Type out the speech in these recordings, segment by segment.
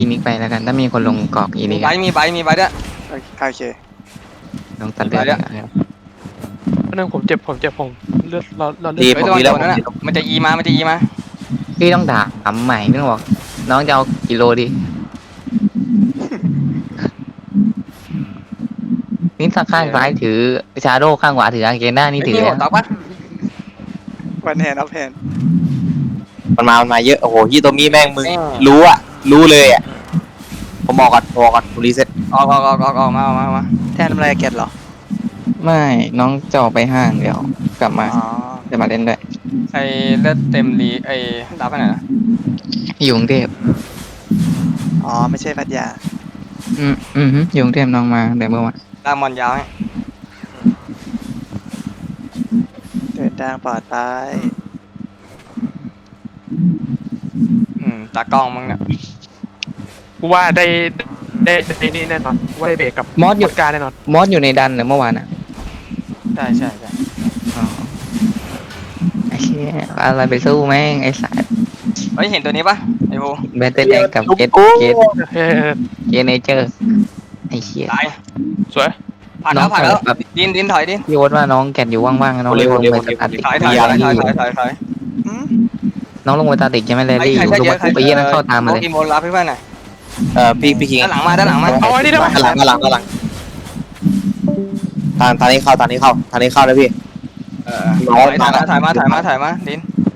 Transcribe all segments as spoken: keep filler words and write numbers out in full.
อีมิกไปแล้วกันถ้ามีคนลงเกาะอีมิมีกใบอะมีใบมีใบด้วยโอเคลงตัดเลือดไปแล้วนะครับอันนึงผมเจ็บผมเจ็บผมเลือดเราเราเลือดีดเฮ้ยผมระวัดีงแล้วโดนผมนั่นดีน่ะแล้วมันจะอีมามันจะอีมาพี่ต้องด่าถามใหม่พี่ต้องบอกน้องจะเอากิโลดินี่ข้างซ้ายถือชาโดข้างขวาถืออาเกน่านี่ไอ้ถือนี่หัวแล้วตักปะวันแฮนออฟแฮนมันมามันมาเยอะโอ้โหยี่ตัวมีแม่งมึงรู้อ่ะรู้เลยอ่ะผมบอกก่อนบอกก่อนผมรีเซ็ตออกออกออกออกออกมาออกมาออกมาแทนทำอะไรเกตเหรอไม่น้องจะออกไปห้างเดี๋ยวกลับมาอ๋อจะมาเล่นด้วยไอ้เลือดเต็มรีไอ้รับไปไหนนะอยู่กรุงเทพอ๋อไม่ใช่พัทยาอืมอืมฮึอยู่กรุงเทพน้องมาแต่เมื่อวานลากมอนยาวให้เดินทางปลอดภัยอืมตากล้องมึงเนี่ยกูว่าได้ได้ได้นี่แน่นอนว่าได้เบรกกับมอสอยู่การแน่นอนมอสอยู่ในดันเหรือเมื่อวานอ่ะใช่ใช่ใช่อ๋อไอ้เชี่ยอะไรไปสู้แม่งไอ้สายเฮ้ยเห็นตัวนี้ปะไอ้โบแบตเตอร์แดงกับเกตเกตเฮ้ยเกตเนเจอร์ไอ้เชี่ยตายสวยผ่านแล้วผ่านแล้วแบบดินดินถอยดินพี่โอ๊ตว่าน้องแกนอยู่ว่างๆน้องลงไปสตาร์ติกถอยถอยถอยถอยถอยถอยถอยอืมน้องลงไปสตาร์ติกใช่ไหมเลใครลี่ใครอยู่เยดูอะใครไปเยี่ยนั่งเข้าตามมาเลยอีโมรับให้เพื่อนหน่อยเอ่อพี่พี่คิงด้านหลังมาด้านหลังมาเอาไว้นี่ได้ปะด้านหลังด้านหลังด้านหลังทางทางนี้เข้าทางนี้เข้าทางนี้เข้านะพี่เออถอยถอยมาถอยมาถอยมาถอยมาดิน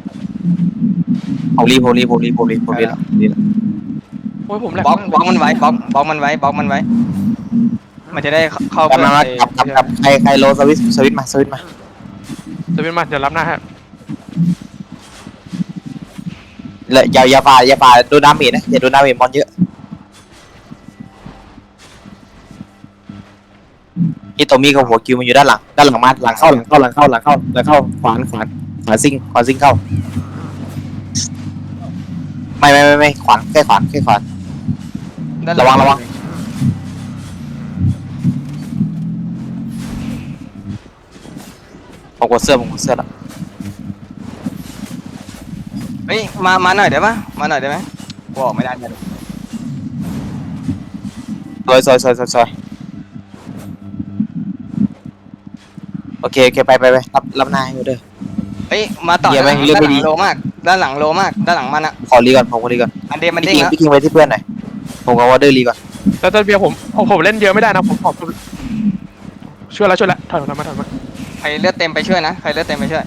ผมรีบผมรีบผมรีบผมรีบผมรีบแล้วรีบแล้วโอ้ยผมแหลกบล็อกบล็อกมันไว้บล็อกบล็อกมันไว้บล็อกมันไว้ มันจะได้เข้ากลับเพื่อนมาไอ้กลับกลับกลับใครใครโลสวิตสวิตมาสวิตมาจะเป็นมาเดี๋ยวรับหน้าฮะเลยอย่าอย่าฝ่าอย่าฝ่าโดนดาเมจนะอย่าโดนดาเมจมอนเยอะอีตัวมีกับหัวคิวมันอยู่ด้านหลังด้านหลังมาหลังเข้าหลังเข้าหลังเข้าหลังเข้าหลังเข้าขวานขวานขวานซิงขวานซิงเข้าไม่ไม่ไม่ไม่ขวานแค่ขวานแค่ขวานด้านหลัระวังระวัง ผมกดเสื้อผมกดเสื้อแล้วเฮ้ยมามาหน่อยได้ปะมาหน่อยได้ไหมกูออกไม่ได้เลยซอยซอยซอยซอยซอยโอเคโอเคไปไปไปรับรับหน้าให้อยู่เด้อเฮ้ยมาต่อเหี้ยด้านหแม่ลังงเลือกไม่ด้านหดีลังโลมากด้านหลังโลมากด้านหลังมันอะขอรีก่อนผมขอรีก่อนอันเดมมันพี่เด้งคิงแล้วพี่คิงไปที่เพื่อนหน่อยผมกับวอเดอร์รีก่อนแล้วตอนเบียร์ผมโอ้ผมเล่นเยอะไม่ได้นะผมขอบช่วยแล้วช่วยแล้วถอยถอยมาถอยมาใครเลือดเต็มไปช่วยนะใครเลือดเต็มไปช่วย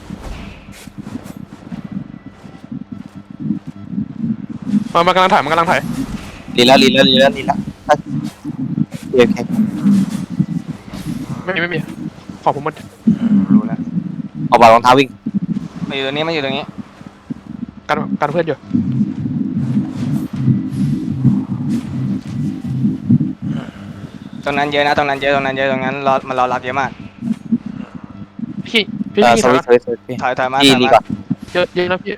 มามันกำลังถ่ายมันกำลังถ่ายรีแล้วรีแล้วรีแล้วรีแล้วโอเคโอเคไม่มีไม่มีขอบผมหมดรู้แล้วเอาบอลรองเท้าวิ่งมาอยู่ตรงนี้มาอยู่ตรงนี้กันกันเพื่อนอยู่ตรงนั้นเยอะนะตรงนั้นเยอะตรงนั้นเยอะตรงนั้นรอมันรอรับเยอะมากพี่พี่เออพี่สวิตสวิตสวิตพี่ถอยถอยมารีถอยรีมาก่อนเยอะเยอะนะพี่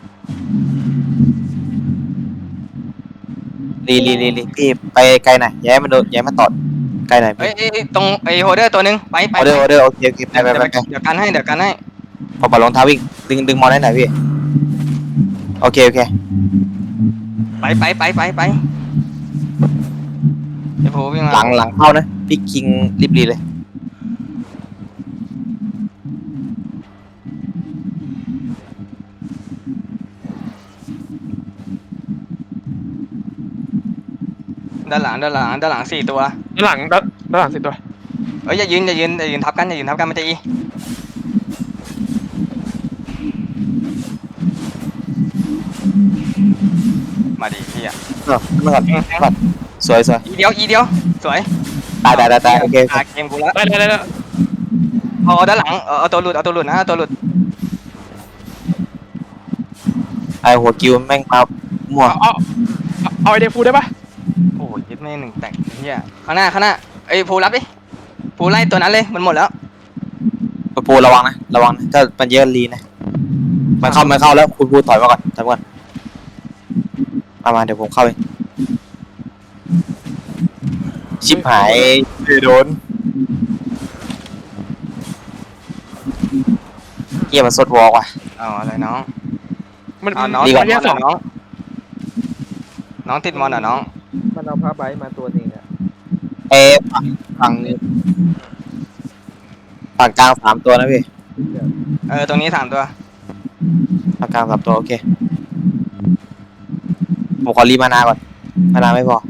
รีรีรีรีพี่ไปไกลหน่อยย้ายมันโดนย้ายมันตอดไกลหน่อยเฮ้ยเอ้ยเอ้ยตรงไอ้โฮเดอร์ตัวหนึงไปไปออเดอร์ออเดอร์โอเคโอเคไปไปเดี๋ยวไปไปเดี๋ยวกันให้เดี๋ยวกันให้เอาบอลรองเท้าวิ่งดึงดึงมอนให้หน่อยพี่โอเคโอเคไปไปไปไปไปไอ้โหวิ่งมาหลังหลังเข้านะพี่คิงรีบรีเลยด้านหลังด้านหลังด้านหลังสี่ตัวด้านหลังด้านด้านหลังสิตัวเอ้ยอย่ายืนอย่ายืนอย่ายืนทับกันอย่ายืนทับกันมันจะอีมาดิพี่อ่ะเออมาก่อนมาก่อนสวยสวยอีเดียวอีเดียวสวยตายตายตายตายโอเคโอเคอ่ะเกมกูแล้วได้ได้ได้ได้เอาเอาด้านหลังเอาเอาตัวหลุดเอาตัวหลุดนะเอาตัวหลุดไอหัวคิวแม่งมามั่วเอาเอาเอาไอเดฟูได้ปะโอ้ยยึดไม่หนึ่งแตกเฮียข้างหน้าข้างหน้าไอ้ยภูรับดิภูไล่ตัวนั้นเลยมันหมดแล้วปูระวังนะระวังนะถ้ามันเยอะรีนะมันเข้ามันเข้าแล้วคุณพูถอยมาก่อนถอยมาก่อนมามาเดี๋ยวผมเข้าเองชิบหายโดนเกี่ยมันสดวอลว่ะเอาอะไรน้องมันเอาน้องดีติกว่าดมอนเหรอน้องน้องติดมอนเหรอน้องมันเอาผ้าใบมาตัวหนึงอ่ะเอฝั่งฝั่งฝั่งกลางสามตัวนะพี่เออตรงนี้สามตัวฝั่งกลางสามตัวโอเคผมขอรีมานาก่อนมานาไม่พอ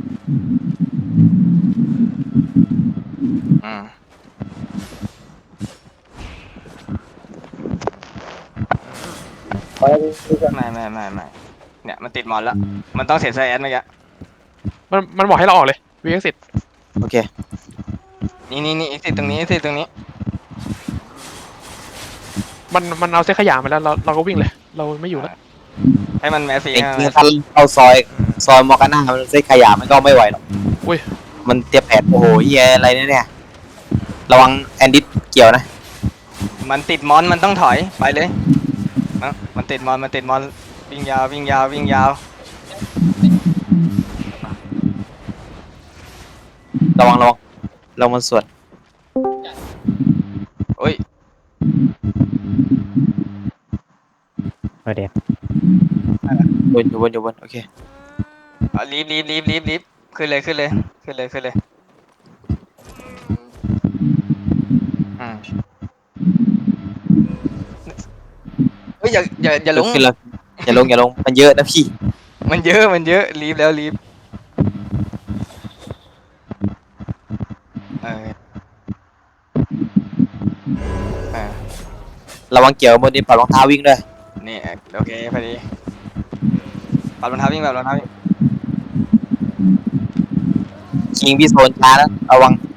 อืมไม่ไม่ไม่ไม่เนี่ยมันติดมอนแล้วมันต้องเสียไซแอดเมื่อกี้มันมันบอกให้เราออกเลยวีเอ็กซิโอเคนี่นี่นี่อีกสิตรงนี้อีกสิตรงนี้มันมันเอาเส้นขยะมาแล้วเราเราก็วิ่งเลย เราไม่อยู่แล้วให้มันแมสซี่จริงๆถ้าเข้าซอยซอยมอร์กาน่ามันเส้นขยะมันก็ไม่ไหวหรอกอุ้ยมันเตรียมแผนโอ้โหเฮียอะไรเนี่ยเนี่ยระวังแอนดิสเกี่ยวนะมันติดมอนมันต้องถอยไปเลยเอ้ามันติดมอนมันติดมอนวิ่งยาววิ่งยาววิ่งยาวระวังระวังระวังมันสวนโอ้ยบนอยู่บนอยู่บนโอเคเอารีบรีบรีบรีบรีบขึ้นเลยขึ้นเลยขึ้นเลยขึ้นเลยอืมเฮ้ยอย่าอย่าอย่าลงขึ้นแล้วอย่าลงอย่าลงมันเยอะนะพี่มันเยอะมันเยอะรีบแล้วรีบเออเออระวังเกี่ยวบนนี้ปล่อยรองเท้าวิ่งด้วยนี่โอเคพอดีปัดรองเท้าวิ่งแบบรองเท้าวิ่งคิงพี่โซนช้าแล้วระวัง